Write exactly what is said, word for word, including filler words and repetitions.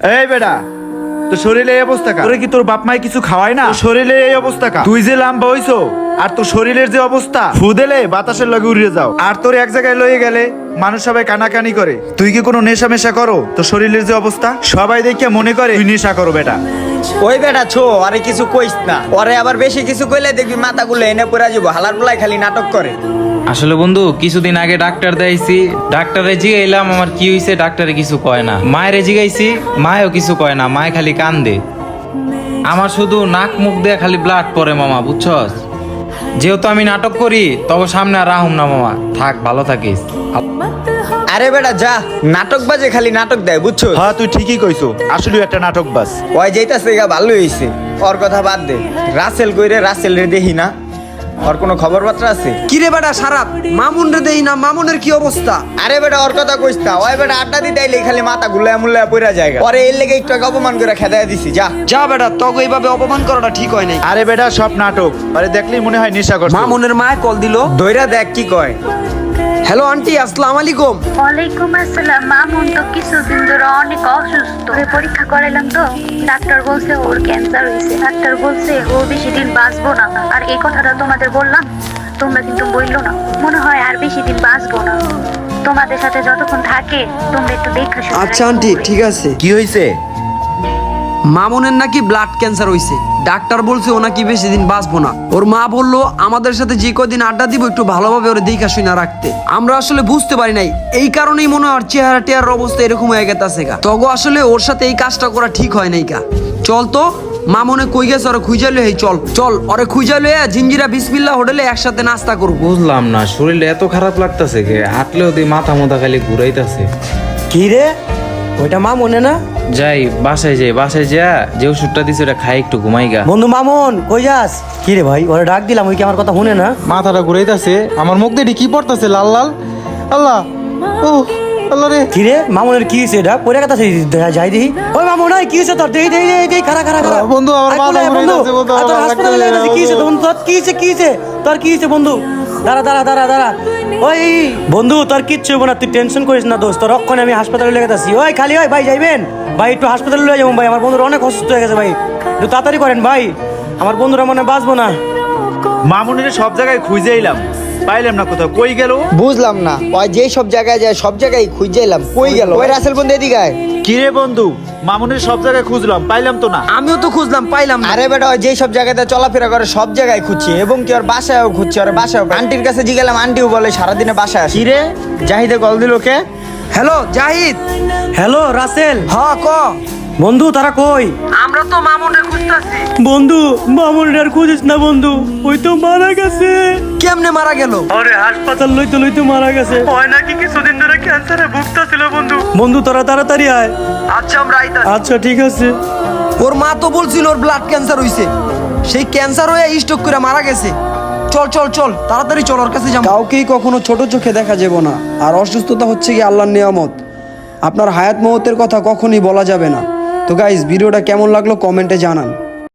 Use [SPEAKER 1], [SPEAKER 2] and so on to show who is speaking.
[SPEAKER 1] এই বেটা, তোর শরীরে এই অবস্থা কা? তোরে কি তোর বাপ মাই কিছু খাওয়ায় না? তোর শরীরে এই অবস্থা কা? তুই যে লাম্বা হইছো আর তোর শরীরের যে অবস্থা, ফু দিলে বাতাসের লগে উড়িয়ে যাও। আর তোর এক জায়গায় লয়ে গেলে মানুষ সবাই কানাকানি করে। তুই কি কোনো নেশা মেশা করো? তোর শরীরের যে অবস্থা, সবাই দেখে মনে করে তুই নেশা করো বেটা।
[SPEAKER 2] ওই বেটা ছো, আরে কিছু কইস না। ওরে আবার বেশি কিছু কইলে দেখবি মাথাগুলো এনে পড়ে যাবো। হালার পোলাই খালি নাটক করে।
[SPEAKER 3] আসলে বন্ধু কিছুদিন আগে ডাক্তার দেখাইছি, ডাক্তারে জিগাইলাম আমার কি হইছে, ডাক্তারে কিছু কয় না। মায়েরে জিগাইছি, মায়েও কিছু কয় না, মায়ে খালি কান্দে। আমার শুধু নাক মুখ দিয়ে খালি ব্লাড পড়ে মামা, বুঝছস? যেহেতু আমি নাটক করি তবে সামনে আর রাহুম না মামা, থাক ভালো থাকিস।
[SPEAKER 2] আরে বেটা যা, নাটক বাজে খালি নাটক দেয়, বুঝছো?
[SPEAKER 1] হ্যাঁ তুই ঠিকই কইছো, আসলে একটা নাটক বাস।
[SPEAKER 2] ওই যেইতাছে গা ভালো হইছে, ওর কথা বাদ দে। রাসেল কইরে, রাসেল রে দেখি না, ওর কোনো খবর বার্তা আছে?
[SPEAKER 4] কিরে বেটা সারাপ, মামুন রে দেই না, মামুনের কি অবস্থা?
[SPEAKER 2] আরে বেটা ওর কথা কইস না। ওই বেটা আড্ডা দিতে আইলে খালি মাথা গুলায় মুল্লায় পইরা জায়গা। পরে এর লেগে একটু আগে অপমান করে খেদায় দিছি। যা
[SPEAKER 4] যা বেটা, তোকে এইভাবে অপমান করাটা ঠিক হয় নাই।
[SPEAKER 1] আরে বেটা সব নাটক, আরে দেখলেই মনে হয় নেশা করছে।
[SPEAKER 4] মামুনের মায় কল দিল।
[SPEAKER 2] দইরা দেখ কি কয়।
[SPEAKER 4] হ্যালো আন্টি, আসসালামু আলাইকুম।
[SPEAKER 5] ওয়ালাইকুম আসসালাম। মামুন তো কিছুদিন ধরে অনেক অসুস্থ। ওকে পরীক্ষা করাইলাম তো, ডাক্তার বলছে ওর ক্যান্সার হয়েছে। ডাক্তার বলছে ও বেশি দিন বাঁচবো না। আর এই কথাটা তোমাদের বললাম, তোমরা কিন্তু বললো না। মনে হয় আর বেশি দিন বাঁচবো না। তোমাদের সাথে যতক্ষণ থাকে তোমরা একটু দেখা শুনে
[SPEAKER 4] আচ্ছা আন্টি ঠিক আছে।
[SPEAKER 1] কি হয়েছে?
[SPEAKER 4] মামুনের নাকি ব্লাড ক্যান্সার হইছে। ডাক্তার বলছে ও নাকি বেশি দিন বাঁচবো না। ওর মা বললো আমাদের সাথে যে কদিন আড্ডা দিব একটু ভালোভাবে ওরে দেখা শুনে রাখতে। আমরা আসলে বুঝতে পারি নাই, এই কারণেই মনে হয় চেহারা টেহারার অবস্থা এরকম হয়ে গেছে গা। তগো আসলে ওর সাথে এই কাজটা করা ঠিক হয় নাই গা। চল তো মামুনে কই গেছে, ওরে খুঁজালে এই চল চল ওরে খুঁজালে জিঞ্জিরা বিসমিল্লাহ হোটেলে একসাথে নাস্তা করবো।
[SPEAKER 3] বুঝলাম না শরীরটা এত খারাপ লাগতেছে কে, হাঁটলেও দিয়ে মাথা মোথা খালি ঘুরাইতেছে।
[SPEAKER 6] কি রে, ওইটা মা মনে না?
[SPEAKER 3] যাই বাসায় যাই, বাসায় যা যে ওষুধটা দিছে ওটা খাই একটু ঘুমাই গা।
[SPEAKER 6] বন্ধু মামুন কই যাস? কি রে ভাই, ওরে ডাক দিলাম, ওই কি আমার কথা শুনে না?
[SPEAKER 7] মাথাটা ঘুরাইতেছে, আমার মুখ দিয়ে কি পড়তেছে লাল লাল। আল্লাহ, ও আল্লাহ রে।
[SPEAKER 6] কি রে মামুনের কি হয়েছে? এটা পরে কথা যাই দেখি। ওই মামুন ওই কি হয়েছে তোর? দেই দেই দেই দেই খারা খারা খারা
[SPEAKER 7] বন্ধু, আমার
[SPEAKER 6] আয়,
[SPEAKER 7] মাথা
[SPEAKER 6] আয়, বন্ধু
[SPEAKER 7] ঘুরাইতেছে, বন্ধু,
[SPEAKER 6] আয়, তোর
[SPEAKER 7] আমার
[SPEAKER 6] হাসপাতালে
[SPEAKER 7] ডাক্তার
[SPEAKER 6] লাগছে। কি হয়েছে তোর? তোর কি হয়েছে? কি হয়েছে তোর? কি হয়েছে বন্ধু? দাঁড়া দাঁড়া দাঁড়া দাঁড়া। ওই বন্ধু তোর কিচ্ছু হবো না, তুই টেনশন করিস না দোস্ত। তোর অক্ষণে আমি হাসপাতালে লেগে যাচ্ছি। ওই খালি ওই ভাই যাইবেন ভাই, একটু হাসপাতালে লয়ে যাবো ভাই। আমার বন্ধুরা অনেক অসুস্থ হয়ে গেছে ভাই, একটু তাড়াতাড়ি করেন ভাই। আমার বন্ধুরা মনে হয় বাঁচবো না।
[SPEAKER 1] মামুনের সব জায়গায় খুঁজে এলাম, পাইলাম না কোথাও। কই গেল?
[SPEAKER 2] বুঝলাম না। ওই যেই সব জায়গায় যায় সব জায়গায় খুঁজে এলাম, কই গেল? ওই রাসেল বন্ধু এদিকে আয়।
[SPEAKER 1] কি রে বন্ধু, মামুনের সব জায়গায় খুঁজলাম, পাইলাম তো না।
[SPEAKER 4] আমিও তো খুঁজলাম, পাইলাম না।
[SPEAKER 2] আরে বেটা ওই যেই সব জায়গাতে চলাফেরা করে সব জায়গায় খুঁজছি, এবং কি ওর বাসায়ও খুঁজছি। ওর বাসায় আন্টির কাছে জিগেলাম, আন্টিও বলে সারাদিনে বাসায় আসে। কি রে জাহিদে কল দিল কে?
[SPEAKER 4] হ্যালো জাহিদ।
[SPEAKER 6] হ্যালো রাসেল।
[SPEAKER 4] হ্যাঁ ক।
[SPEAKER 6] বন্ধু তারা কই?
[SPEAKER 4] আমরা তো মামুনরে খুঁজতাছি।
[SPEAKER 6] বন্ধু মামুনের আর খুঁজিস না বন্ধু, ওই তো মারা গেছে।
[SPEAKER 4] কেমনে মারা গেল?
[SPEAKER 6] আরে হাসপাতাল লইতে লইতে মারা গেছে। হয় নাকি কিছুদিন ধরে ক্যান্সারে ভুগতাছিল বন্ধু। বন্ধু তোরা তাড়াতাড়ি আয়।
[SPEAKER 4] আচ্ছা আমরা আইতাছি।
[SPEAKER 6] আচ্ছা ঠিক আছে।
[SPEAKER 4] ওর মা তো বলছিল ওর ব্লাড ক্যান্সার হইছে, সেই ক্যান্সার হয়ে স্ট্রোক করে মারা গেছে। চল চল চল তাড়াতাড়ি চল ওর কাছে যাবো। কাউকেই কখনো ছোট চোখে দেখা যাবে না, আর অসুস্থতা হচ্ছে কি আল্লাহর নিয়ামত। আপনার হায়াত মওতের কথা কখনোই বলা যাবে না। তো গাইস ভিডিওটা কেমন লাগলো কমেন্টে জানান।